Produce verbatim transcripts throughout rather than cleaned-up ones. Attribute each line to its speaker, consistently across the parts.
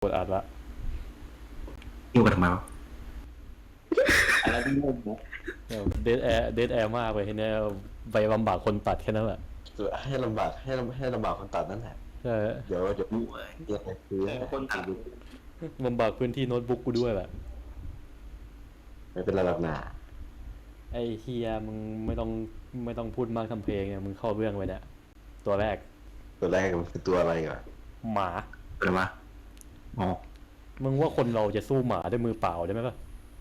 Speaker 1: ดอัดละ
Speaker 2: ยุ่งกันทำไมวะ
Speaker 3: อะไรที่งงนะ
Speaker 1: เดดแอร์เดดแอร์มากเลยทีนี้ไปลำบากคนตัดแค่นั้นแหละ
Speaker 4: ให้ลำบากให้ลำให้ลำบากคนตัดนั่นแหละ
Speaker 1: ใช่
Speaker 4: เดี๋ยวเดี๋ยวเดี๋ยวคือ
Speaker 3: คนตัด
Speaker 1: ลำบากพื้นที่โน้ตบุ๊กกูด้วยแหละ
Speaker 4: ไม่เป็นไรหรอกนะ
Speaker 1: ไอเฮียมึงไม่ต้องไม่ต้องพูดมากทำเพลงเนี่ยมึงเข้าเรื่องไปเนี่ยตัวแรก
Speaker 4: ตัวแรกมันคือตัวอะไรก่อน
Speaker 1: หมา
Speaker 2: อะไรวะอ๋อ
Speaker 1: มึงว่าคนเราจะสู้หมาด้วยมือเปล่าได้ไหมป่ะ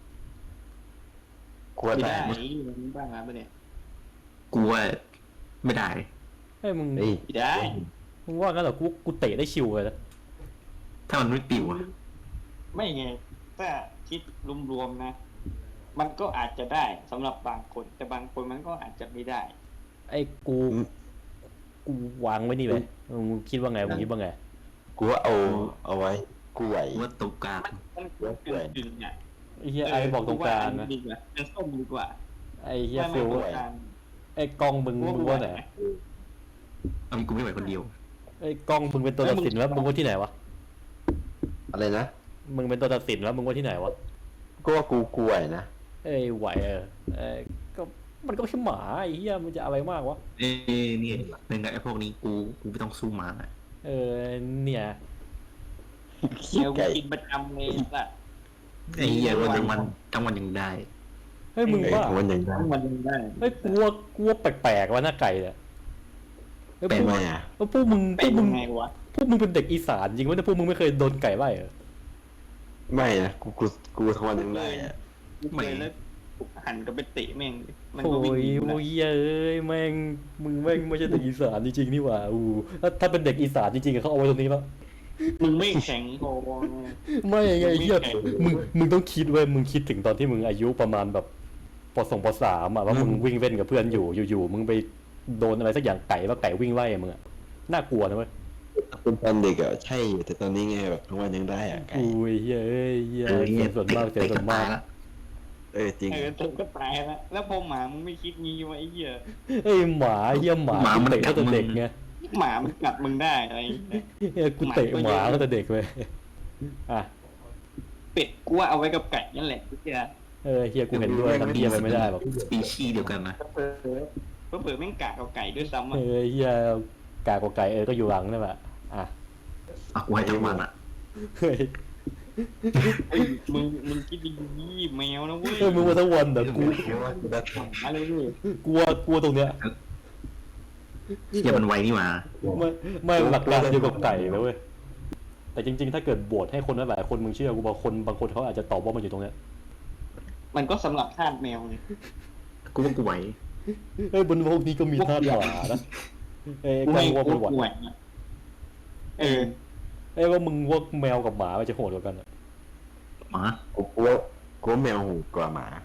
Speaker 4: กลัวได้
Speaker 3: มึงบ้างนะเนี่ย
Speaker 2: กูว่าไม่ได้
Speaker 1: ไอ้มึง
Speaker 3: ได้
Speaker 1: มึงว่างั้นเหรอกูกูเตะได้ชิวเลยนะ
Speaker 2: ถ้ามันไม่ปิวอะ
Speaker 3: ไม่ไงถ้าคิดรวมๆนะมันก็อาจจะได้สำหรับบางคนแต่บางคนมันก็อาจจะไม่ได้
Speaker 1: ไอ้กูกูวางไว้นี่เลยมึงคิดว่าไงมึงคิดว่าไง
Speaker 4: กูว่าเอาเอาไว้กูไหว
Speaker 2: ว่าตกกลาง
Speaker 3: มันเป็นดึงอ่ะ
Speaker 1: ไอ้เฮียไอ้บอกตรงกลางนะ
Speaker 3: เป็นส้มดีกว่า
Speaker 1: ไอ้เฮียฟิลไอ้กล้องมึงมึงว่าไหน
Speaker 2: เอากูไม่ไหวคนเดียว
Speaker 1: ไอ้กล้องมึงเป็นตัวตัดสินแล้วมึงว่าที่ไหนวะ
Speaker 4: อะไรนะ
Speaker 1: มึงเป็นตัวตัดสินแล้วมึงว่าที่ไหนวะ
Speaker 4: ก็ว่ากูกูไหวนะ
Speaker 1: เอ้ยไหวเออเออก็มันก็แค่หมาไอ้เหี้ยมันจะอะไรมากวะ
Speaker 2: เอ้ยนี่เป็นไงไอ้พวกนี้กูกูไม่ต้องสู้หมา
Speaker 1: เออเนี่ย
Speaker 3: เคี้ยวกินประจำเลยสัตว์
Speaker 2: ไอ้เหี้ยวันทั้งวันทั้งวันยังได้
Speaker 1: เฮ้ยมึงว่า
Speaker 4: วันยังได้
Speaker 3: ทั้งวันยังได้
Speaker 1: เฮ้ยกลัวกลัวแปลกๆวะหน้าไก่เนี่ย
Speaker 4: เป็นไงอ่ะ
Speaker 1: พวกมึงพวกมึง
Speaker 3: ไงวะ
Speaker 1: พวกมึงเป็นเด็กอีสานจริงวะเนี่ยพวกมึงไม่เคยโดนไก่ไล่เหรอ
Speaker 4: ไม่นะกูกูกูทั้งวันยังได้อ่ะ
Speaker 3: ไม่แล้วหันก็ไปเตะแม่ง
Speaker 1: มันก็วิ่งโอ้ยเอ้ยแม่งมึงแม่งไม่ใช่เด็กอีสานจริงๆนี่หว่าอู้ถ้าเป็นเด็กอีสานจริงๆเขาเอาไว้ตรงนี้แล้ว
Speaker 3: มึงไม่แข็งพอ
Speaker 1: ไม่ไงเฮียมึงมึงต้องคิดเว้ยมึงคิดถึงตอนที่มึงอายุประมาณแบบปสองปสามอ่ะว่ามึงวิ่งเล่นกับเพื่อนอยู่อยู่ๆมึงไปโดนอะไรสักอย่างไก่ว่าไก่วิ่งไล่มึงอ่ะน่ากลัวนะเว้ย
Speaker 4: เป็นตอนเด็กอ่ะใช่แต่ตอนนี้ไงแบบทั้งวันยังได้อ่ะ
Speaker 1: อุ้ยเฮ้ยเฮ้ยเฮ้ยส่วนมากเจอส่วนมาก
Speaker 4: เออจริง
Speaker 3: เออตกก็ตายแล้วแล้วพอหมามึงไม่คิดงี้วะไอ้เหี้ย
Speaker 1: เอ้ยหมาเหี้ยหมามันเตะตั้งแต่เด็กไง
Speaker 3: หมามันกัดมึงได้อะไร
Speaker 1: เออกูเตะหมาตั้งแต่เด็กเลยอ่ะ
Speaker 3: เป็ดกูว่าเอาไว้กับไก่นั่นแหละเหี้ย
Speaker 1: เออเฮียกูเห็นด้วยทำเฮียไปไม่ได้หรอก
Speaker 2: สปีชีส์เดียวกันนะ
Speaker 3: เออเผื่อแม่งกะกับไก่ด้วยซ้ำอ่ะ
Speaker 1: เออเฮียกากกับไก่เออก็อยู่หลังนั่นแหละอ่ะ
Speaker 2: อ่ะกูให้ทั้งวันอ่ะ
Speaker 1: เฮ้ย
Speaker 3: มึงมึงคิดดีแมวนะเว้ย
Speaker 1: เออมึงมาทั้งวันเดี๋ยวกู
Speaker 3: อะไรเลย
Speaker 1: กลัวกลัวตรงเนี้ย
Speaker 2: เฮียมันไวนี่มา
Speaker 1: ไม่ไม่หลักการเดียวกับไก่นะเว้ยแต่จริงๆถ้าเกิดบวชให้คนหลายคนมึงเชื่อกูบางคนบางคนเขาอาจจะตอบว่ามันอยู่ตรงเนี้ย
Speaker 3: มันก็สำหรับทาสแมวไง
Speaker 2: กูว่ากูไหว
Speaker 1: เอ้ยบนโลกนี้ก็มีทาสหมานะเอ้ยกันว่ามึงไหว
Speaker 3: เออ
Speaker 1: เอ้ยว่ามึงว่าแมวกับหมามันจะโหดกว่ากัน
Speaker 2: หมา
Speaker 4: กูกลัวกลัวแมวโหดกว่าหมาก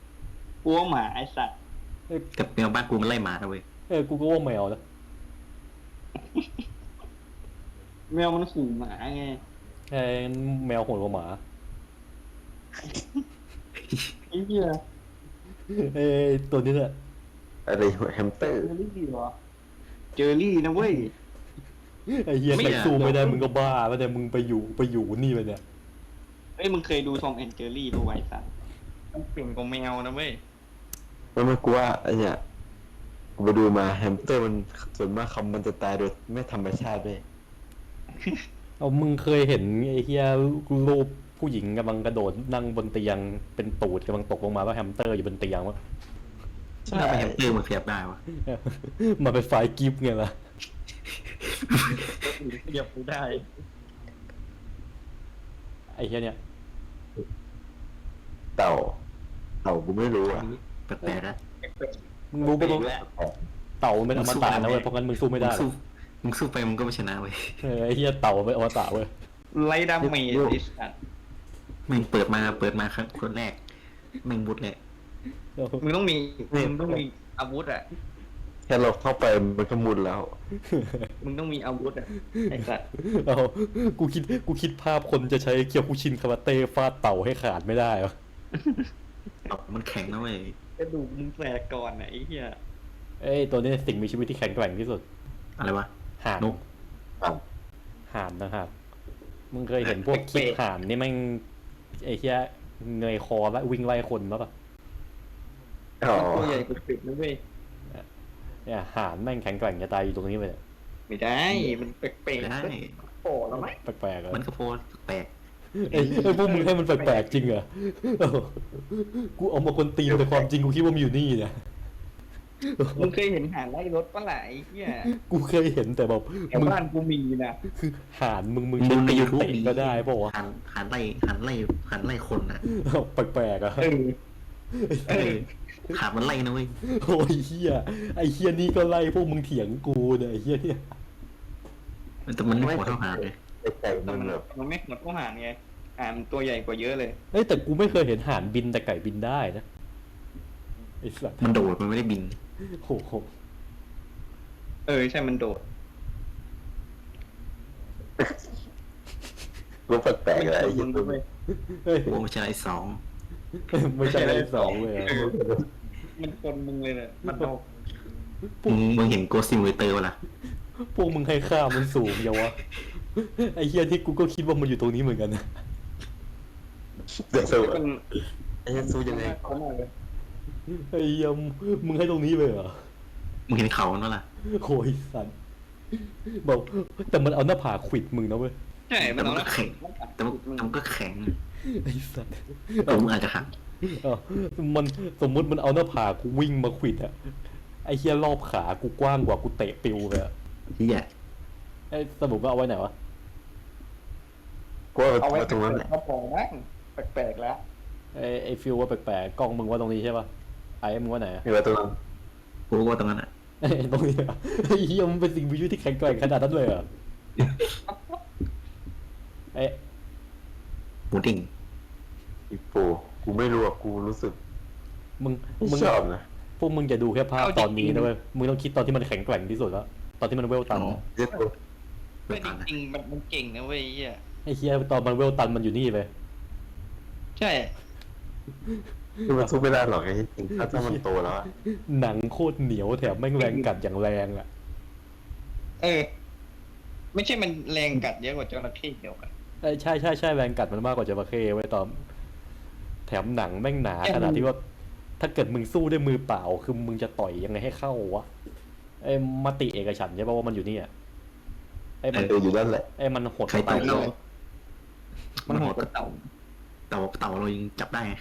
Speaker 3: ลัวหมาไอ้สัตว์
Speaker 2: กับแมวบ้านกูมันไล่หมาเว้ย
Speaker 1: เออกูก็ว่าแมวนะ
Speaker 3: แมวมันขู่หมาไง
Speaker 1: ไอ้แมวโหดกว่าหมา
Speaker 3: ไอ้เหี้ย
Speaker 1: เอ้ยตัวนี้แหละ
Speaker 4: อะไรแฮมสเตอร์
Speaker 3: เจอรี่เหรอเจอรี่นะเว้ย
Speaker 1: ไอ้เหี้ยใครสู้ไม่ได้มึงก็บ้าแล้วแต่มึงไปอยู่ไปอยู่นี่ไปเนี่ย
Speaker 3: เอ้ยมึงเคยดูทอมแอนด์เจอรี่ป่ะไว้สัตว์มันเปลี่ยนกว่าแมวนะเว้ย
Speaker 4: มันไม่กลัวไอ้เนี่ยกูไปดูมาแฮมสเตอร์มันส่วนมากคำมันจะตายโดยไม่ธรรมชาติเลย
Speaker 1: เอามึงเคยเห็นไอ้เหี้ยรูปผู้หญิงกำลังกระโดดนั่งบนเตียงเป็นตูดกำลังตกลงมาว่าแฮมสเตอร์อยู่บนเตียงวะ
Speaker 2: ใช่แฮมสเตอร์มันขยับได้วะ
Speaker 1: มาเป็นไฟกิฟต์ไงล่ะ
Speaker 3: ขยับกูได้
Speaker 1: ไอ้เหี้ยเนี่ย
Speaker 4: เต่าเต่ากูไม่รู้อ่ะ
Speaker 2: แปลกๆนะ
Speaker 1: มึงรู้ปะเต่าเป็นอมตะนะเว้ยเพราะงั้นมึงสู้ไม่ได้
Speaker 2: มึงสู้ไปมึงก็ไม่ชนะเว้ย
Speaker 1: เออไอ้เหี้ยเต่าเป็นอมตะเว้ย
Speaker 3: ไล่ดาเมจดิสัตว์
Speaker 2: มึงเปิดมาเปิดมาครั้งคนแรกมึงบุดแหละ
Speaker 3: มึงต้องมีมึงต้องมีอาวุธอ่ะ
Speaker 4: แค่เราเข้าไปมันก็มุนแล้ว
Speaker 3: มึงต้องมีอาวุธอ่ะไอ้สัตว์
Speaker 1: เอากูคิดกูคิดภาพคนจะใช้เคียวคุชินคาราเต้ฟาดเต่าให้ขาดไม่ได้หรอ
Speaker 2: มันแข็งนะเว้ย
Speaker 3: กระดูกมึงแฝกก่อนไอ้เหี้ย
Speaker 1: เอ้ยตัวนี้สิ่งมีชีวิตที่แข็งแกร่งที่สุด
Speaker 2: อะไรวะ
Speaker 1: ห่าน
Speaker 2: นก
Speaker 1: ห่านนะฮะมึงเคยเห็นพวกคลิปห่านนี่แม่งไอ้เหี้ยเงยคอแล้ววิ่งไล่คนมั้ยปะ
Speaker 4: อ๋อ
Speaker 3: ตัวใหญ่กว่าเป็ดนะเว้ย
Speaker 1: เนี่ยห่านแม่งแข็งแกร่งจะตายอยู่ตรงนี้ไปเลย
Speaker 3: ไม่ได้ มันแปลก
Speaker 2: ได้
Speaker 3: ๆโอ้แล้วไหม
Speaker 1: แปลกๆอะ
Speaker 2: มันก็โพสแปลก
Speaker 1: ไอ้ไอ้พวกมึงให้มันแปลกๆจริงเหรอเออกูเอามาคนตีนแต่ความจริงกูคิดว่ามันอยู่นี่เนี่ย
Speaker 3: มึงเคยเห็นห่านไล่รถปะล่ะไอ้เหี้ย
Speaker 1: กูเคยเห็นแต่แบบ
Speaker 3: แถว
Speaker 1: มึง
Speaker 3: บ้านกูมีนะ
Speaker 1: คือห่านมึงมึง
Speaker 2: มึ
Speaker 1: ใช้
Speaker 2: งใน
Speaker 1: ตีน
Speaker 2: ยูทูบ
Speaker 1: เตะก็ได้เปล่าวะ
Speaker 2: หันหันไล่หันไล่หันไล่คนนะ
Speaker 1: แปลกๆอะ
Speaker 3: เออ
Speaker 2: เออขาดมันไล่นะเว้ย
Speaker 1: โอ้ยเฮียไอ้เฮียนี่ก็ไล่พวกมึงเถียงกูเนี่ยไอ้เฮียเนี่ย
Speaker 2: แต่มันไม่โหดเท่าหาเลย
Speaker 4: ไอ้ไก่
Speaker 3: แต่
Speaker 4: มัน
Speaker 3: มัน
Speaker 4: แบบ
Speaker 3: มันไม่หมดก็ห่านไงห่านมันตัวใหญ่กว่าเยอะเลย
Speaker 1: เอ้ยแต่กูไม่เคยเห็นห่านบินแต่ไก่บินได้นะไอ้สัตว์
Speaker 2: มันโดดมันไม่ได้บิน
Speaker 1: โอ้โห
Speaker 3: เออใช่มันโดด
Speaker 4: รู้แปลกๆอะไร
Speaker 3: มั
Speaker 4: ยิ่
Speaker 3: น
Speaker 4: ง
Speaker 3: โดดเว้ย
Speaker 1: เฮ้ย
Speaker 2: โอ้ไม่ใช่ไอ้สอง
Speaker 1: ไม่ใช่ไอ้สองเลยอะ
Speaker 3: มันคนมึงเลยเนี่ยมันโดด
Speaker 2: มึงมึงเห็นโกซิมเวเตอร์วะล่ะ
Speaker 1: พวกมึงให้ค่ามันสูงเยาวะไอ้เฮียที่กูก็คิดว่ามันอยู่ตรงนี้เหมือนกันนะ
Speaker 4: เดี๋ยวสู้
Speaker 3: มัน
Speaker 4: ไอ้เหี้ยสู้ยังไง
Speaker 3: เขามากเลย
Speaker 1: ไอ้เฮียมึงให้ตรงนี้เลยเหรอ
Speaker 2: มึงเห็นเขามันวะล่ะ
Speaker 1: โอ้ยสัตว์บอกแต่มันเอาหน้าผากขวิดมึงนะเว้ย
Speaker 3: ใช่มัน
Speaker 2: แต่มัน
Speaker 3: เอา
Speaker 2: ก็แข็งแต่มันแต่มันก็แข็ง
Speaker 1: ไอ้สัตว์
Speaker 2: เออมึงอาจจะหัก
Speaker 1: เออมันสมมุติมันเอาหน้าผากกูวิ่งมาขวิดอะไอ้เฮียรอบขากูกว้างกว่ากูเตะปิวเลยอะ
Speaker 2: เฮีย
Speaker 1: ไอ้สรุปว่าเอาไว้ไหนวะ
Speaker 4: กูว่า
Speaker 3: เอาไว้
Speaker 4: ตรงนั้นแหละ
Speaker 3: กระป๋องบ้างแปลกๆแล้ว
Speaker 1: ไอ้ไอ้ฟิวว่าแปลกๆกล้องมึงว่าตรงนี้ใช่ปะไอ้มึงว่าไหนอะ
Speaker 4: มีไว้ตรงนั้น
Speaker 2: กูว่าตรงนั้นอ่ะ
Speaker 1: ไอ้ตรงนี้อะไอ้เฮียมันเป็นสิ่งมีชีวิตที่แข็งแกร่งขนาดนั้นเลยเหรอไอ้
Speaker 2: หมูดิ่ง
Speaker 4: อีโปกูไม่รู้อ่ะกูรู้สึก
Speaker 1: มึง
Speaker 4: ไม่
Speaker 1: มึง
Speaker 4: ชอบนะ
Speaker 1: พวกมึงอย่าดูแค่ภาพตอนนี้นะเว้ยมึงต้องคิดตอนที่มันแข็งแกร่งที่สุดแล้วตอนที่มันเวลตันอะ
Speaker 4: เจ็ดตัว
Speaker 3: ไม่จริงๆมันมันเก่งนะเว้ยไอ้เหี้ย
Speaker 1: ไอ้เฮียตอนมันเวลตันมันอยู่นี่เลย
Speaker 3: ใช่
Speaker 4: คือมันสู้ไม่ได้หรอกไอ้จริงถ้าถ้ามันโตแล้วอะ
Speaker 1: หนังโคตรเหนียวแถมแม่งแรงกัดอย่างแรงอะ
Speaker 3: เออ ไม่ใช่มันแรงกัดเยอะกว่าจระเข้เดียวกัน
Speaker 1: เอ้ยใช่ใช่ใช่แรงกัดมันมากกว่าจระเข้ไว้ยตอนแถมหนังแม่งหนาขนาดที่ว่า ถ้าเกิดมึงสู้ด้วยมือเปล่า คือมึงจะต่อยยังไงให้เข้าวะไอ้มติเอกฉันท์ใช่ป่ะว่ามันอยู่นี่อะไอ้มัน
Speaker 4: เอออยู่นั่นแหละ
Speaker 1: ไอ้มันหด
Speaker 2: ใคร
Speaker 1: ไป
Speaker 2: ต่อย
Speaker 1: เล
Speaker 2: เรา
Speaker 1: ย
Speaker 3: มันโหดกว่าเต่า
Speaker 2: เต่าเต่าเรายังจับได้ไง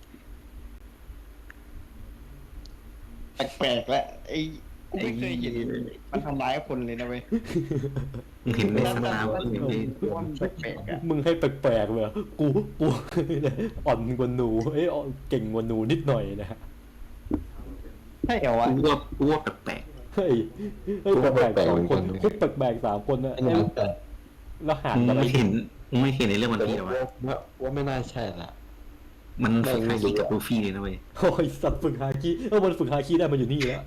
Speaker 3: แปลกๆแล้วไอ้กูไม่เคยเห็นมันทำร้ายคนเลยนะเว้ย
Speaker 2: มึงเห็นในสนามมึงเห็นใน
Speaker 3: มันแปลกๆอ่ะ
Speaker 1: มึงให้แปลกๆเลยอะกูกู อ่อนกว่าหนูเอ้ยอ่อนเก่งกว่าหนูนิดหน่อยนะ
Speaker 3: ใช่เหรอวะ
Speaker 2: กูว่ากูว่าแปลก
Speaker 1: เฮ้ยเฮ้ยแปลกๆสองคนคุกแปลกๆสามคนนะ
Speaker 4: ไอ้นี่แต่
Speaker 1: แล้วหา
Speaker 2: ๆ
Speaker 1: น
Speaker 2: มึง
Speaker 1: อะไร
Speaker 2: ไม่เห็นมึงไม่เห็นในเรื่องวัน
Speaker 4: แต่
Speaker 2: พีหรอวะ
Speaker 4: ว่าว่าไม่น่าใช่ละ
Speaker 2: มันฝึกฮาคิกับลูฟี่เลยนะเว้ย
Speaker 1: โอ้ยสัตว์ฝึกฮาคิเออมันฝึกฮาคิได้มันอยู่นี่แล้ว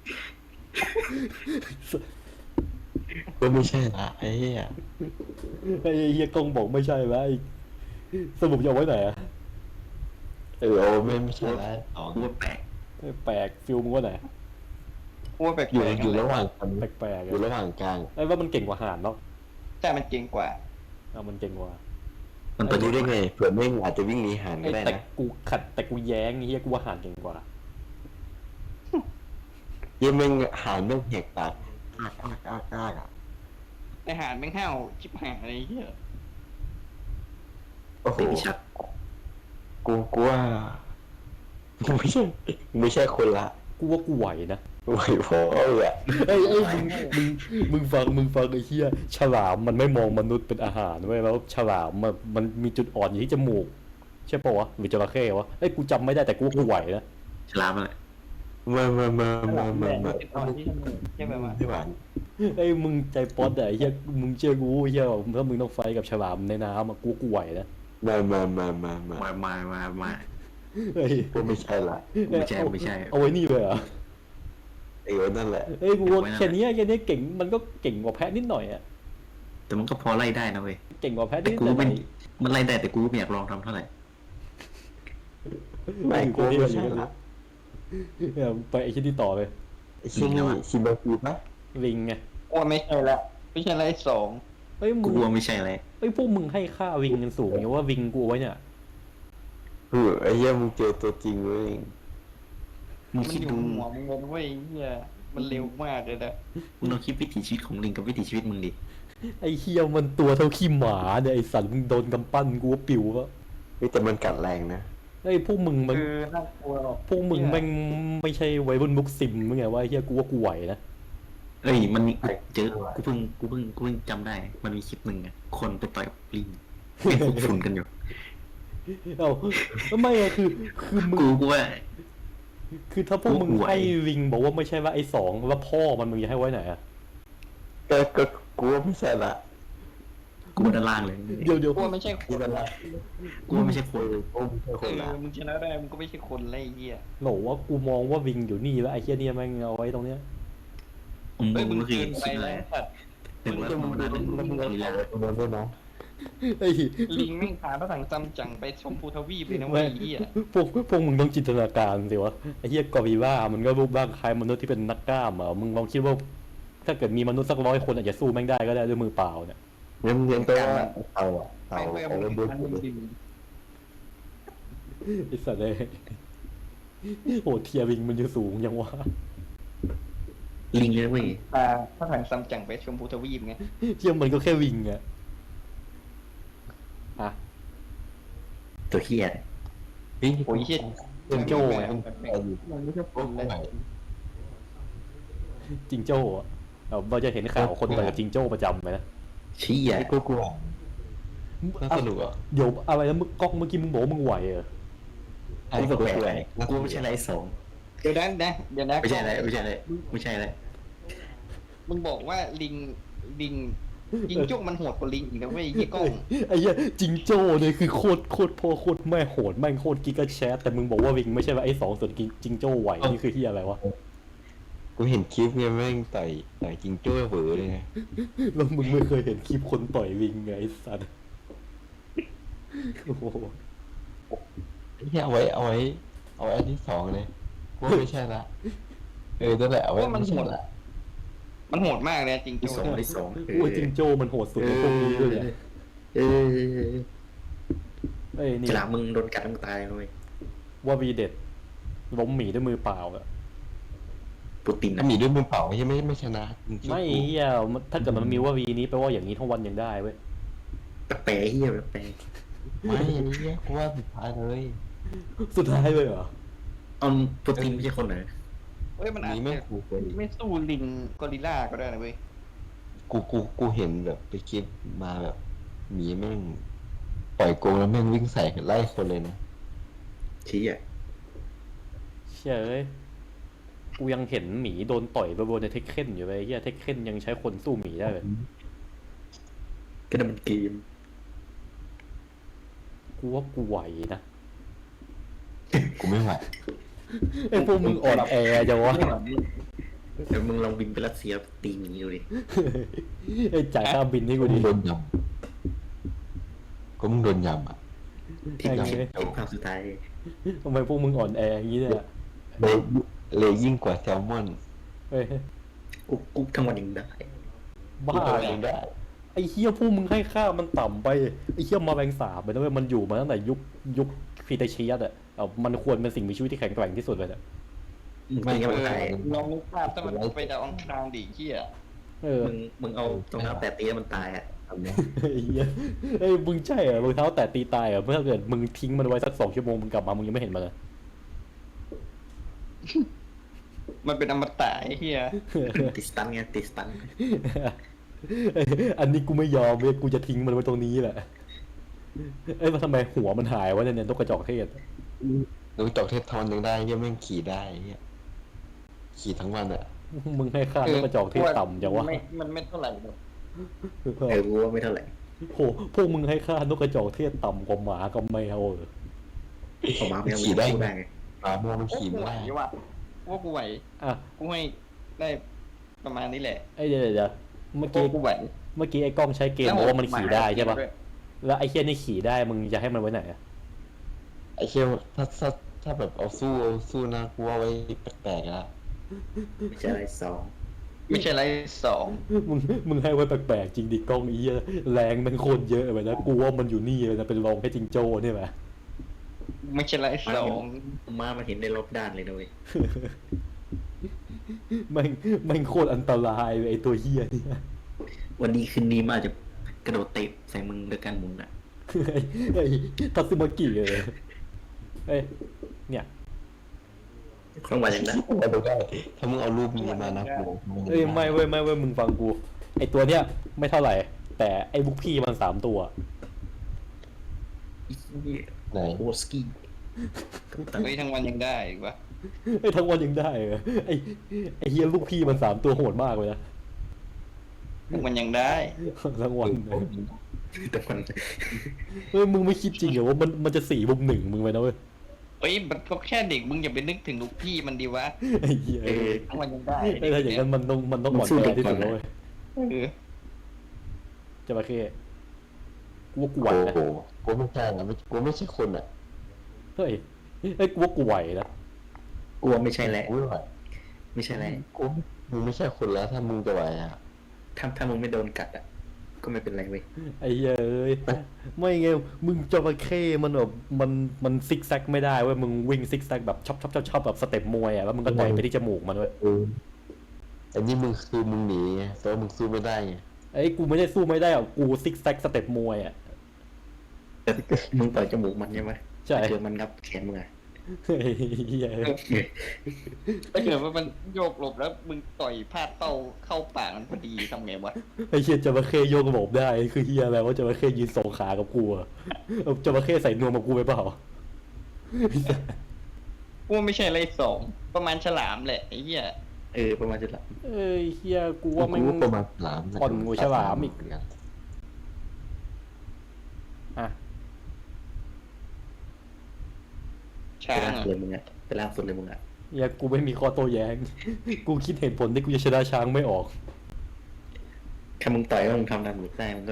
Speaker 4: ก็ไม่ใช่ละไอ้เหี้ย
Speaker 1: ไอ้เฮียกงบอกไม่ใช่ไหมไอ้สรุปจะเอาไว้ไหนอะ
Speaker 4: เออโอ้ไม่ไม่ใช่ละอ๋อ
Speaker 2: กูว่าแปลก
Speaker 1: แปลกฟิลมึงว่าไหน
Speaker 3: กูว่าแปลก
Speaker 4: อยู่
Speaker 3: ๆ
Speaker 4: อยู่ระหว่างกัน
Speaker 1: แปลกๆ
Speaker 4: อยู่
Speaker 1: อะ
Speaker 4: ระหว่างกลาง
Speaker 1: ไอ้ว่ามันเก่งกว่าหานเนาะ
Speaker 3: แต่มันเก่งกว่า
Speaker 1: เอามันเก่งกว่า
Speaker 2: มัน
Speaker 4: ไป
Speaker 2: ตัว
Speaker 4: ดู
Speaker 2: นี้
Speaker 4: ได้ไงเผื่อแม่งอาจจะวิ่งหนีหัน
Speaker 1: ไอ้
Speaker 4: ก็ได้
Speaker 1: แต่
Speaker 4: นะ
Speaker 1: กูขัดแต่กูแย้งไอ้เฮียกูว่าหานเก่งกว่า
Speaker 4: เยี่ยแม่งหันแม่งแหกปากอ้ากอ้ากอ้ากอ้ากอ่ะ
Speaker 3: ไอหานไม่งห้าวชิบหายอะไรเหี้ย
Speaker 4: โอ้โห
Speaker 2: เตะที่ชัด
Speaker 4: กูกูว่ากูไม่ใช่ไม่ใช่คนละ
Speaker 1: กูว่ากูไหวนะ
Speaker 4: ไหวพ่อเลยอะ
Speaker 1: เอ้ยเอ้ยมึงมึงมึงฟังมึงฟังไอ้เฮียฉลามมันไม่มองมนุษย์เป็นอาหารเว้ยแล้วฉลามมันมันมีจุดอ่อนอยู่ที่จมูกใช่ปะวะหรือจระเข้วะเอ้ยกูจำไม่ได้แต่กูว่ากูไหวนะ
Speaker 2: ฉลามอะไร
Speaker 4: มามามามา
Speaker 3: แห
Speaker 4: มา
Speaker 3: ละ
Speaker 4: มา
Speaker 3: ติดต่อที่จมูกใช่ไหมวะ
Speaker 4: ไม่หวาน
Speaker 1: เอ้ยมึงใจป๊อตอะไอ้เฮียมึงเชื่อกูไอ้เฮียถ้ามึงต้องไฟท์กับฉลามในน้ำอะกูกูไหวนะ
Speaker 4: มามามามามา
Speaker 2: มามามามา
Speaker 1: เฮ้ย
Speaker 4: กูไม่ใช่ละ
Speaker 2: ไม่ใช่ไม่ใช่
Speaker 1: เอาไว้นี่เลยเหรอ
Speaker 4: ไอ้วันนั่นแหละ
Speaker 1: เอ้ยกูว่าแค่เนี้ยแค่เนี้ยเก่งมันก็เก่งกว่าแพะนิดหน่อยอะ
Speaker 2: แต่มันก็พอไล่ได้นะเว้ย
Speaker 1: เก่งกว่าแพะ
Speaker 2: แต่
Speaker 1: นิด
Speaker 2: กู
Speaker 1: หน่
Speaker 2: ไม่
Speaker 1: อย
Speaker 2: มันไล่ได้แต่กูไม่อยากลองทำเท่าไหร่
Speaker 4: ไม่กูไม่ใช่ละ
Speaker 1: เออไปไอ้ชิ้นที่ต่อเลย
Speaker 4: ไอ้ชิ้นนี้ชิมบาคูปะ
Speaker 1: ลิงไง
Speaker 3: กูว่าไม่ใช่ละไม่ใช่ละไอ้สอง
Speaker 1: ฮ้ยมึ
Speaker 2: กู
Speaker 1: ง
Speaker 2: ว่าไม่ใช่อะไร
Speaker 1: เฮ้ยพวกมึงให้ค่าวิงกันสูงอย่างว่าวิงกูเอาไว้เนี่ย
Speaker 4: เออไอ้เหี้ยมึงเจอตัวจริงเว้ย
Speaker 2: มึง
Speaker 3: มัน
Speaker 2: คิด
Speaker 3: อยู่
Speaker 2: ดู
Speaker 3: หัวมึงเว้ยเฮียมันเร็วมากเลยนะ
Speaker 2: มึงลองคิดวิถีชีวิตของลิงกับวิถีชีวิตมึงดิ
Speaker 1: ไอ้เฮียมันตัวเท่าขี้หมาเนี่ยไอ้สัตว์มึงโดนกำปั้นกูว่าปิววะ
Speaker 4: เฮ้ยแต่มันกัดแรงนะ
Speaker 1: ไอ้ยพวกมึงมัน
Speaker 3: คือน่ากลัวหรอก
Speaker 1: พวกมึงแม่งไม่ใช่วัยรุ่นมุกซิมมึงไงว่าไอ้เฮียกูว่ากูไหวนะ
Speaker 2: เอ้ยมันมีเจอกูเพิ่งกูเพิ่งกูเพิ่งจำได้ มันมีคลิปหนึ่งอะคนไปต่อยกับลิงเป็นพวกฝุ่นกันอยู่
Speaker 1: เอ้าไม่อะคือคือมึง
Speaker 2: กูกูว่า
Speaker 1: คือถ้าพวกมึง
Speaker 2: กูไหว
Speaker 1: ให้วิงบอกว่าไม่ใช่ว่าไอ้สองว่าพ่อมันมึงจะให้ไว้ไหนอะ
Speaker 4: ก็ก็กูว่าไม่ใช่ละ
Speaker 2: กูว่าด้านล่างเลย
Speaker 1: เดี๋ยวเดี๋ยว
Speaker 3: กลัวไม่ใช่ค
Speaker 4: กู
Speaker 3: น
Speaker 4: ว่าละ
Speaker 2: กูว่าไม่ใช่คน
Speaker 4: กูไม่ใช่
Speaker 3: เอ
Speaker 4: คนละ
Speaker 3: อมึงชนะได้มึงก็ไม่ใช่คนไรเฮีย
Speaker 1: โหนว่ากูมองว่าวิงอยู่นี่แล้วไอ้เฮียเนี่ยแม่งเอาไว้ตรงเนี้ย
Speaker 2: มึง
Speaker 3: เฮ้ยมึ
Speaker 2: มึ
Speaker 3: ง
Speaker 2: งก็คือ
Speaker 3: เกินไป
Speaker 2: คิดอะไร
Speaker 3: แล้วสัตว์
Speaker 2: หนึ่งว่าธรรมดาหนึ่ง
Speaker 4: แล้วมึง
Speaker 2: ลีลา
Speaker 4: เอาตัวนั้นด้วยนะ
Speaker 1: ไอ้
Speaker 3: ลิงแม่งพาพระถังซัมจั๋งไปชมพูทวีปเลยนะเว้ยเฮีย
Speaker 1: พวกพวกมึงต้องจินตนาการสิวะไอ้เฮียกอริลล่ามันก็รูปร่างคล้ายมนุษย์ที่เป็นนักกล้ามอ่ะมึงลองคิดว่า ถ้าเกิดมีมนุษย์สักร้อยคนอาจจะสู้แม่งได้ก็ได้ด้วยมือเปล่าเนี่ย
Speaker 4: งั้นเรียนตัวว่าเอาอะเอา
Speaker 3: แม่งไป
Speaker 4: เอา
Speaker 3: เอา
Speaker 4: เล่น
Speaker 3: มึ
Speaker 4: ด้วย
Speaker 3: ง
Speaker 4: กู
Speaker 3: ดิ
Speaker 1: ไอ้สัตว์เลยโหเทียวิงมันอยู่สูงยังวะ
Speaker 2: ลิงเลยเว้ย
Speaker 3: พาพระถังซัมจั๋งไปชมพูทวีปไง
Speaker 1: เทียมันก็แค่วิงอะอ่ะ
Speaker 2: ตัวเฮีย
Speaker 4: เฮ้ย
Speaker 3: โอ้ยเฮีย
Speaker 1: จิงโจ้ไง
Speaker 3: มันไม่ใช่คนเลย
Speaker 1: จิงโจ้อะเราเราจะเห็นข่าวคนต่อยกับจิงโจ้ประจำไหมนะ
Speaker 2: ชี้
Speaker 4: ไอ้
Speaker 2: อ่ะ
Speaker 4: กูกลัวน่าสนุกอ่ะ
Speaker 1: เดี๋ยวอะไรนะมึงกล้องเมื่อกี้มึงบอกว่ามึงไหวเหรอ
Speaker 2: กูแปลกๆกูไม่ใช่อะไรสอง
Speaker 3: เดี๋ยวนะนะเดี๋ยวนะ
Speaker 2: ไม่ใช่อะไรไม่ใช่อะไรไม่ใช่อะไร
Speaker 3: มึงบอกว่าลิงลิงจิงโจ้มันโหดกว่าลิงอีกนะเว้ยยี่กล้อง
Speaker 1: ไอ้เหี้ยจิงโจ้เนี่ยคือโคตรโคตรพ่อโคตรแม่โหดแม่งโคตรกิกะแชทแต่มึงบอกว่าวิงไม่ใช่ว่าไอ้สองส่วนจิงโจ้ไหวนี่คือเฮียอะไรวะ
Speaker 4: กูเห็นคลิปเนี่ยแม่งต่อยต่อยจิงโจ้เหวอเลยไง
Speaker 1: แล้วมึงไม่เคยเห็นคลิปคนต่อยวิงไงไอ้สัตว์โอ้โห
Speaker 4: ไอ้เหี้ยเอาไว้เอาไว้เอาไว้อันที่สองเลยกูว่าไม่ใช่ละเออนั่นแหละเอาไว้
Speaker 3: ว่ามัน
Speaker 4: ไม่
Speaker 3: โห
Speaker 4: ใช่
Speaker 3: ด
Speaker 4: ละ
Speaker 3: มันโหดมากเลยจิง
Speaker 2: ที่
Speaker 3: โจ้
Speaker 2: สองที่สอง
Speaker 1: โอ้ยจิงโจ้มันโหดสุดในพวกนี้ด้วยเนี่ย
Speaker 2: เออ
Speaker 1: เอ้ยนี่
Speaker 2: ฉลามมึงโดนกัดมึงตายเลย
Speaker 1: ว่าวีเด็ดล้มหมีด้วยมือเปล่าอะ
Speaker 2: ปูติน
Speaker 4: ถ้ามีด้วยมือเปล่าไม่ใช่ไม่ไม่ชนะจริงๆ
Speaker 1: ไม่เฮียมันถ้าเกิดมันมีว่าวีนี้แปลว่าอย่างนี้ทั้งวันยังได้เว้ย
Speaker 2: แปลกๆเฮียแปลก
Speaker 4: ไม่อันนี้เนี่ยกูว่าสุดท้ายเลย
Speaker 1: สุดท้ายเลยเหรอ
Speaker 2: ๆเอาปูตินไม่ใช่คนไหน
Speaker 3: เฮ้ยมันอาจ
Speaker 4: นี่
Speaker 3: จะ
Speaker 4: แม่งกูเคย
Speaker 3: ไม่สู้ลิงกอริลล่าก็ได้นะเว้ย
Speaker 4: กูกูกูเห็นแบบไปคลิปมาแบบหมีแม่งปล่อยกรงแล้วแม่งวิ่งใส่ไล่คนเลยนะ
Speaker 2: ชี้อ่ะ
Speaker 1: เชื่ยเอ้ยกูยังเห็นหมีโดนต่อยไปบนในเทคเคนอยู่เลยเฮียเทคเคนยังใช้คนสู้หมีได้เลย
Speaker 2: ก็นั่นมันเกม
Speaker 1: กูว่ากูไหวนะ
Speaker 4: กูไม่ไหว
Speaker 1: ไอ้พวกมึงอ่อนแอจังวะ
Speaker 2: เดี๋ยวมึงลองบินไปรัสเซียตีหมีดูดิ
Speaker 1: ไอ้จ่ายค่าบินให้กู
Speaker 4: มึ
Speaker 1: ดิ
Speaker 4: งโดนยำก็มึงโดนยำอ่ะ
Speaker 2: ที่
Speaker 1: โอ
Speaker 2: เรา
Speaker 1: เค
Speaker 2: เห็นภาพสุดท้าย
Speaker 1: ทำไมพวกมึงอ่อนแออย่างนี้เนี่ย
Speaker 4: เลยเลยยิ่งกว่าแซลมอน
Speaker 1: เฮ้ย
Speaker 2: กุ๊กกุ๊กทั้งวันยังได้
Speaker 1: บ้า
Speaker 4: ตัว
Speaker 1: เหร
Speaker 4: เอ
Speaker 1: อง
Speaker 4: ได้
Speaker 1: ไอ้เฮียพวกมึงให้ค่ามันต่ำไปไอ้เฮียมาแบงสาบไปนะเว้ยมันอยู่มาตั้งแต่ยุคยุคพีเตเชียสอะเอามันควรเป็นสิ่งมีชีวิตที่แข็งแกร่งที่สุดเลยอะ
Speaker 2: ไม่งั้น
Speaker 3: เอ
Speaker 2: มัน
Speaker 3: อ
Speaker 2: ตาย
Speaker 3: ลองนึกภาพถ้ามันไปดาวอังคารดิเฮีย
Speaker 1: เออ
Speaker 2: มึงมึงเอาตรงเท้าแตะตีแล้วมันตายอ่ะ
Speaker 4: ทำเนี้ย
Speaker 1: ไอ้เฮียไอ้ยมึงใช่เหรอรองเท้าแตะตีตายเหรอเมื่อเกิดมึงทิ้งมันไว้สักสองชั่วโมงมึงกลับมามึงยังไม่เห็นมันเลย
Speaker 3: มันเป็นอมตะไอ้เฮีย
Speaker 2: ติดสตันไงติดสตัน
Speaker 1: อันนี้กูไม่ยอมเว้ยกูจะทิ้งมันไว้ตรงนี้แหละเอ้ยมาทำไมหัวมันหายวะเนี่ยเนี่ยนกกระจอกเทศ
Speaker 4: ดูจอกเทศทอนยังได้เหี้ยังแม่งขี่ได้เหี้ยขี่ทั้งวันอ่ะ
Speaker 1: มึงให้ค่านกกระจอกเทศต่ำจังวะ
Speaker 3: ไม่มันไม่เท่าไหร่หรอก
Speaker 2: เออกูว่าไม่เท่าไหร่
Speaker 1: โหพวกมึงให้ค่านกกระจอกเทศต่ำกว่าหมากับแมวเออ
Speaker 2: ผมมาไม่เอา
Speaker 4: ขี่ได้
Speaker 2: พูดได้ไง
Speaker 4: หมาโมมัน
Speaker 3: โอ้
Speaker 4: ขี่
Speaker 3: กู
Speaker 4: ไม่
Speaker 3: ไหว
Speaker 4: ได้
Speaker 3: ว่ะว่ากูไหว
Speaker 1: อ่ะ
Speaker 3: กูให้ได้ประมาณนี้แหละ
Speaker 1: ไอ้เดี๋ยวเดี๋ยวเดี๋ยวเมื่อกี้
Speaker 3: กูไหว
Speaker 1: เมื่อกี้ไอ้กล้องใช้เกมบอกว่ามันขี่ได้ใช่ปะแล้วไอ้เคียนี่ขี่ได้มึงจะให้มันไว้ไหนอะ
Speaker 4: ไอ้เชี่ยถ้าถ้าถ้าแบบเอาสู้เอาสู้นะกูว่าไว้แปลกๆละ
Speaker 2: ไม่ใช่อะไรสอง
Speaker 3: มไม่ใช่ไรสอง
Speaker 1: มึงมึงให้ไว้แปลกๆจริงดิกล้องไอ้เหี้ยแรงมันโคตรเยอะไปนะกูว่ามันอยู่นี่เลยนะเป็นรองแค่จิงโจ้เนี่ยไหม
Speaker 3: ไม่ใช่ไรสอง
Speaker 2: มามันเห็นได้รอบด้านเลยนะเว้ย
Speaker 1: แม่งแม่งโคตรอันตรายเลยไอ้ตัวเหี้ยเนี่ย
Speaker 2: วันนี้คืนนี้มันอาจจะกระโดดเตะใส่มึงด้วยการหมุนอ่ะ
Speaker 1: ไอ้ไอ้ทัตสึมากิเลยเอ้ยเนี่ย
Speaker 2: ครั้งวันอย่างนั้น
Speaker 4: มาดูได้ถ้ามึงเอารูปนี้มานะกู
Speaker 1: เอ้ยไม่เว้ยไม่เว้ยมึงฟังกูไอ้ตัวเนี้ยไม่เท่าไหร่ แต่ไอ้บุกพี่มันสามตัว
Speaker 4: ไหน
Speaker 2: โอสกี้
Speaker 3: เฮ้ยทั้งวันยังได้อีกวะ
Speaker 1: ไอ้ทั้งวันยังได้เหรอไอ้ไอ้เฮียลูกพี่มันสามตัวโหดมากเลยนะ
Speaker 3: ทั้งวันยังได้
Speaker 1: ทั้งวัน
Speaker 2: แต่มัน
Speaker 1: เฮ้ยมึงไม่คิดจริงเหรอว่ามันมันจะสี่บุกหนึ่งมึงไปนะเว้ย
Speaker 3: เฮ้ยมันก็แค่เด็กมึงอย่าไปนึกถึงลูกพี่มันดีวะ
Speaker 1: ไอ้เหี้ย
Speaker 2: เออ
Speaker 3: ทั้งวันยังได้
Speaker 1: ไอ้ถ้าอย่างนั้นมันต้องมันต้องหมดใจที่สุดแล้วเว้ย
Speaker 3: เออ
Speaker 1: จะมาแค่กูว่ากูไหว
Speaker 4: โอ้
Speaker 1: นะ
Speaker 4: โหกูไม่ใช่นะไม่กูไม่ใช่คนอ่ะ
Speaker 1: เฮ้ยเฮ้ยกูว่ากูไหวนะ
Speaker 2: กลัวไม่ใช่แหละ
Speaker 4: กูไม่ไหว
Speaker 2: ไม่ใช่แหละ
Speaker 4: กูมึงไม่ใช่คนแล้วถ้ามึงจะไหวอ่ะ
Speaker 2: ถ้าถ้ามึงไม่โดนกัดอ่ะก็ไม่เป็นไรเว้ย
Speaker 1: ไอ้เหี้ยเอ้ยไม่ไงมึงจระเข้มันแบบมันมันซิกแซกไม่ได้เว้ยมึงวิ่งซิกแซกแบบชอบชอบชอบชอบแบบสเต็ปมวยอ่ะแล้วมึงก็ต่อยไปที่จมูกมันเว้ย
Speaker 4: เอออันนี้มึงคือมึงหนีไงแต่ว่ามึงสู้ไม่ได้ไง
Speaker 1: ไอ้กูไม่ได้สู้ไม่ได้หรอกกูซิกแซกสเต็ปมวยอ่ะ
Speaker 2: แต่มึงต่อยจมูกมันใช่ไหม
Speaker 1: ใช่
Speaker 2: เจอมันงับแขนมึงอ่ะ
Speaker 1: เฮ้ยเหี้ย
Speaker 3: ถ้าเกิดว่ามันโยกหลบแล้วมึงต่อยพลาดเป้าเข้าปากมันพอดีทำไงวะ
Speaker 1: ไอ้เหี้ยจระเข้โยกระบบได้คือเหี้ยอะไรว่าจระเข้ยืนสองขากับกูอะเอาจระเข้ใส่นวมกับกูไปเปล่า
Speaker 3: กูว่าไม่ใช่ไรสองประมาณฉลามแหละไอ้เหี้ย
Speaker 2: เออประมาณจะหลับ
Speaker 1: เอ้ยเหี้ยกูว่าไม่
Speaker 4: กูประมาณสาม
Speaker 1: อ่อนกว่าฉลามอีก อ่ะ
Speaker 3: ช้า
Speaker 2: ไป
Speaker 3: ง
Speaker 2: ล่าง
Speaker 3: อะ
Speaker 2: สุดเลยมึงอ่ะไปล่างสุดเลยมึงอ่ะ
Speaker 1: เหี้ยกูไม่มีข้อโต้แย้ง กูคิดเหตุผลที่กูจะชนะช้างไม่ออก
Speaker 2: ถ้ามึงต่อยว่ามึงทำดาเมจได้มึงก็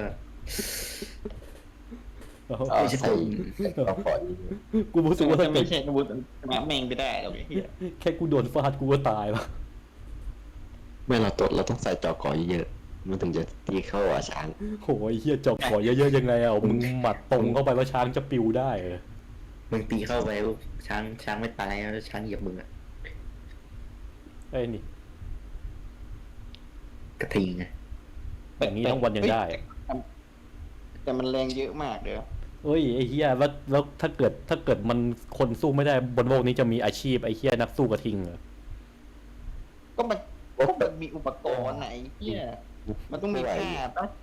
Speaker 1: เอา
Speaker 4: เอาใส่เอาปล่อย
Speaker 1: กูรู้สึกว่าถ้าเกิ
Speaker 3: ไม่
Speaker 1: ด
Speaker 3: ใช่อาวุธชนะแมงไปได้หรอกไอ้เหี้ย
Speaker 1: แค่กูโดนฟาดกูก็ตายแล้ว
Speaker 4: ไม่เราตัวเราต้องใส่จอก่อเยอะๆมันถึงจะตีเข้าอ่ะช้าง
Speaker 1: โหยเหี้ยจอกขอเยอะๆยังไงอ่ะมึงหมัดตรงเข้าไปแล้วช้างจะปิวได้เหรอ
Speaker 2: มึงตีเข้าไปปุ๊บช้างช้างไม่ตายแล้วช้างเหยียบมึงอ่ะ
Speaker 1: ไอ้นี่
Speaker 2: กระทิงไง
Speaker 1: อย่างนี้ทั้งวันยังได้
Speaker 3: แต่มันแรงเยอะมากเลย
Speaker 1: เอ้ยไอ้เฮียแล้วแล้วถ้าเกิดถ้าเกิดมันคนสู้ไม่ได้บนโลกนี้จะมีอาชีพไอ้เฮียนักสู้กระทิงเหรอ
Speaker 3: ก็มันก็มันมีอุปกรณ์ไหนเหี้ยมันต้องมีค่าปะ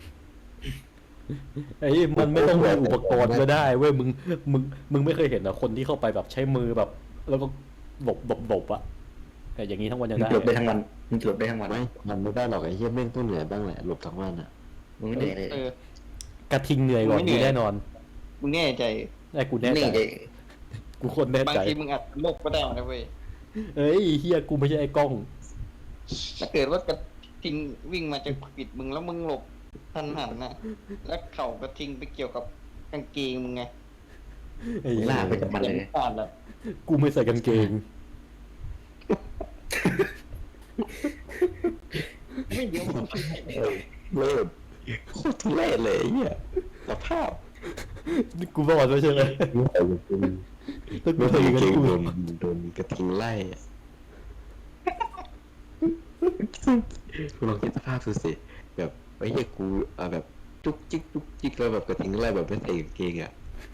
Speaker 1: ไอ้มันไม่ต้องมีอุปกรณ์ก็ได้เว้ยมึงมึงมึงไม่เคยเห็นเหรอคนที่เข้าไปแบบใช้มือแบบ แล้วก็หลบหลบหลบอะแต่อย่างนี้ทั้งวันยัง
Speaker 2: มึง
Speaker 1: ได้
Speaker 2: หลบได้ทั้งวันมึงหลบได้ทั้งวัน
Speaker 4: ไม่มันไม่ได้หรอกไอ้เหี้ยแม่งต้องเหนื่อยบ้างแหละหลบทั้งวันอ่ะ
Speaker 2: มึงไม่เหนื่อยเลย
Speaker 3: เออก
Speaker 1: ระทิงเหนื่อยกว่า
Speaker 3: ไม่เหนื่
Speaker 1: นี้
Speaker 3: อย
Speaker 1: แน่นอน
Speaker 3: มึงแน่ใจ
Speaker 1: ไอ้กูแน่
Speaker 2: นี่
Speaker 1: ใจ
Speaker 2: ไง
Speaker 1: กูโคนแน่
Speaker 3: บาง
Speaker 1: ใจ
Speaker 3: ทีมึงอาจโลกก็ได้นะเว้ย
Speaker 1: เอ้ยเฮียกูไม่ใช่ไอ้กล้อง
Speaker 3: ถ้าเกิดว่ากระทิงวิ่งมาจะปิดมึงแล้วมึงหลบทันหันน่ะ แล้วเข่ากระทิงไปเกี่ยวกับกางเกงมึงไง
Speaker 1: ไอ้
Speaker 2: มึง
Speaker 1: เหี้ย
Speaker 2: ลากไปกับมันเลย
Speaker 3: พลาดแล้ว
Speaker 1: กูไม่ใส่กางเกง
Speaker 3: ไม่เดี๋ยวมึง
Speaker 4: เออเลิศโคตรทุเรศเลยไอ้เหี้ยสภาพ
Speaker 1: กูบอกแล้วใช่ไหม
Speaker 4: ไม่ใส่กางเกง
Speaker 1: ถ้ากู
Speaker 4: ไม่
Speaker 1: ใส่
Speaker 4: ใส่
Speaker 1: กาง
Speaker 4: กาง
Speaker 1: เก
Speaker 4: เก
Speaker 1: ง
Speaker 4: ง
Speaker 1: กู
Speaker 4: โดนโดนกระทิงไล่อะคุณลองคิดสภาพดูสิแบบไอ้เหี้ยกูเอาแบบจุกจิกจุกจิกแล้วแบบกระทิงไล่แบบไม่ใส่กางเกงอ่ะ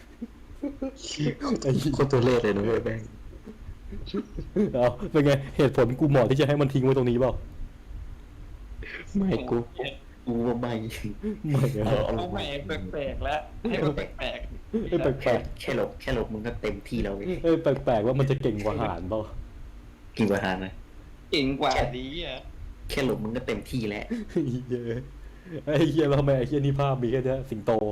Speaker 1: ไอ้เหี้ย
Speaker 4: โคตรทุเรศเลยนะเว้ยแม่ง
Speaker 1: เอาเป็นไงเหตุผลกูเหมาะที่จะให้มันทิ้งไว้ตรงนี้เปล่า
Speaker 4: ไม่กู
Speaker 2: กูว่าไม่
Speaker 1: ไม่เอา
Speaker 3: เอาใหม่แปลกๆแล้วให้มันแปลก
Speaker 1: เอ้ยแปลก
Speaker 2: แค่แค่หลบแค่หลบมึงก็เต็มที่แล้วเว้ย
Speaker 1: ๆเอ้ยแปลกๆว่ามันจะเก่งกว่าหานเปล่า
Speaker 2: กินกว่าหารนะ
Speaker 3: ๆเก่งกว่าดีอ่ะ
Speaker 2: แค่หลบมึงก็เต็มที่แล้ว
Speaker 1: ไอ้เหี้ยไอ้เหี้ยแล้วทำไมไอ้เหี้ยนี่ภาพมีแค่เนี้ยสิงโต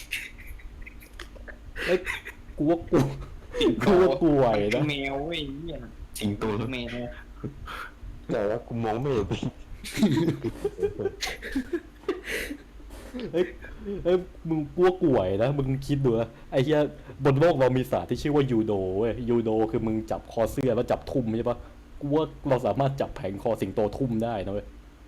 Speaker 1: เอ้ยกูว่ากูกูว่ากูไหวนะ
Speaker 3: แมวเว้ยเนี่ย
Speaker 4: จริงตัวแล้ว
Speaker 3: แมว
Speaker 4: แต่ว่ากูมองไม่เห็น
Speaker 1: เอ้ยเอ้ยมึงกลัวกูไหวนะมึงคิดดูนะไอ้เหี้ยบนโลกเรามีศาสตร์ที่ชื่อว่ายูโดเว้ยยูโดคือมึงจับคอเสื้อแล้วจับทุ่มใช่ปะกูว่าเราสามารถจับแผงคอสิงโตทุ่มได้นะเว้ย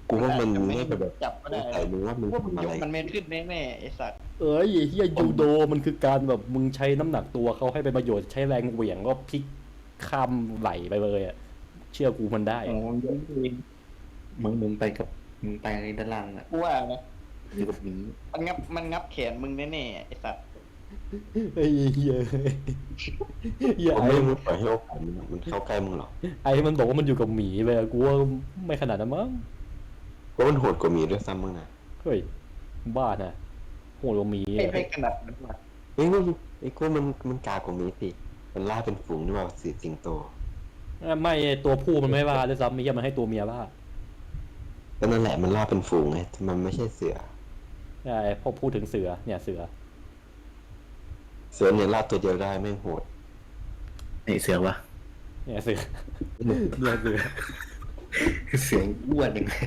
Speaker 4: กูว่ามัน
Speaker 3: อาจจะไม่
Speaker 4: น่าจะแบบ
Speaker 3: จับก็ได้
Speaker 4: ใส่มึงว่ามึง
Speaker 3: พวกมึง
Speaker 4: ทำอะ
Speaker 3: ยก
Speaker 4: ไร
Speaker 3: มันไม่ขึ้นแน่ๆไอ้สัตว์
Speaker 1: เอ้ยไอ้เฮียยูโดมันคือการแบบมึงใช้น้ำหนักตัวเขาให้เป็นประโยชน์ใช้แรงเหวี่ยงก็พลิกข้ามไหลไปเลยอ่ะเชื่อกูมันได้
Speaker 3: โอ้
Speaker 1: อะ
Speaker 3: ยยกเอง
Speaker 2: มึงมึงไปกับมึงไปด้านล่างอ่ะ
Speaker 3: กูว่านะ
Speaker 2: อยู่กับหมี
Speaker 3: มันงับมันงับแขนมึงแน่ๆไอ้สัตว์
Speaker 1: ไอ้เฮียเฮีย
Speaker 4: ผม
Speaker 1: ไอ้
Speaker 4: ไม่รู้ปล่อยให้โอกาสมันมันเข้าใกล้มึงหรอก
Speaker 1: ไอ้มันบอกว่ามันอยู่กับหมีไปอะกูว่าไม่ขนาดนั้นมั้ง
Speaker 4: เพราะมันโหดกว่าหมีด้วยซ้ำมึงนะ
Speaker 1: เฮ้ยบ้านะโหดกว่าหมี
Speaker 3: ไม่
Speaker 1: อะ
Speaker 3: ไม่ขนาดนั้นว่ะ
Speaker 4: เฮ้ยมันไอ้กูมันมันกากว่าหมีสิมันล่าเป็นฝูงนี่ว่าสีสิงโต
Speaker 1: ไม่ตัวผู้มันไม่บ้าด้วยซ้ำไม่ใช่มันให้ตัวเมียบ้า
Speaker 4: ก็นั่นแหละมันล่าเป็นฝูงไงมันไม่ใช่เสือ
Speaker 1: ใช่พอพูดถึงเสือเนี่ยเสือ
Speaker 4: เสือเนี่ยล่าตัวเดียวได้แม่งโหด
Speaker 2: ไอเสือวะ
Speaker 1: เนี่ยเสือเนี่ยเสือ
Speaker 2: เสืออ้วนยังไง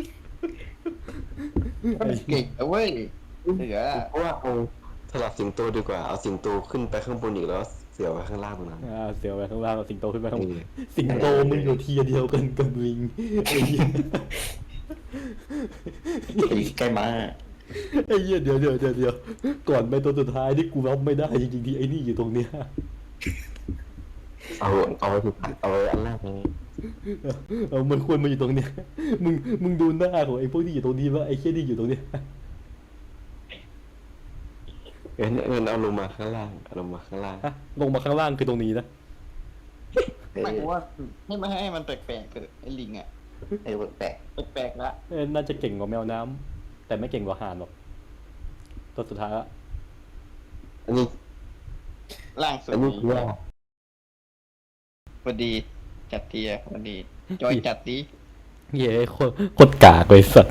Speaker 3: มันเก่งนะเว้ยเสือ
Speaker 4: เพราะว่าเอาสลับสิงโตดีกว่าเอาสิงโตขึ้นไปข้างบนอีกแล้วเสือไว้ข้างล่างตรงนั้น
Speaker 1: อ่าเสือไปข้างล่างเอาสิงโตขึ้นไปข้างบน
Speaker 4: เออ
Speaker 1: สิงโตมึงอยู่ทีเดียวกันกับลิงไอ้เหี้ย
Speaker 2: ไอ้ใกล้ม้า
Speaker 1: ไอ้เหี้ยเดี๋ยวเดี๋ยวเดี๋ยวเดี๋ยวก่อนไปตัวสุดท้ายที่กูรับไม่ได้จริงๆที่ไอ้นี่อยู่ตรงเนี้ย
Speaker 4: เอาเอาไว้ที่เอาไว้อันแรกเลย
Speaker 1: เออมันควรมาอยู่ตรงเนี้ยมึงมึงดูหน้าของไอ้พวกที่อยู่ตรงนี้ว่าไอ้เหี้ยที่อยู่ตรงเนี้ย
Speaker 4: เอ็นเอ็นเอาลงมาข้างล่างเอาลงมาข้างล่าง
Speaker 1: ฮะลงมาข้างล่างคือตรงนี้นะ
Speaker 3: ไม่กูว่าให้มันให้มันแปลกๆเถอะไอ้ลิงอะ
Speaker 2: ไอ้แปลก
Speaker 3: แปลกๆละ
Speaker 1: เออน่าจะเก่งกว่าแมวน้ำแต่ไม่เก่งกว่าห่านหรอกตัวสุดท้ายละ
Speaker 4: อันนี้
Speaker 3: ล่างสุด
Speaker 4: อันนี้
Speaker 3: นี้
Speaker 4: คือว่า
Speaker 3: พอดีจัดเทียพอดีจอยจัดดี
Speaker 1: เย้โคตรโคตรกากเลยสัตว์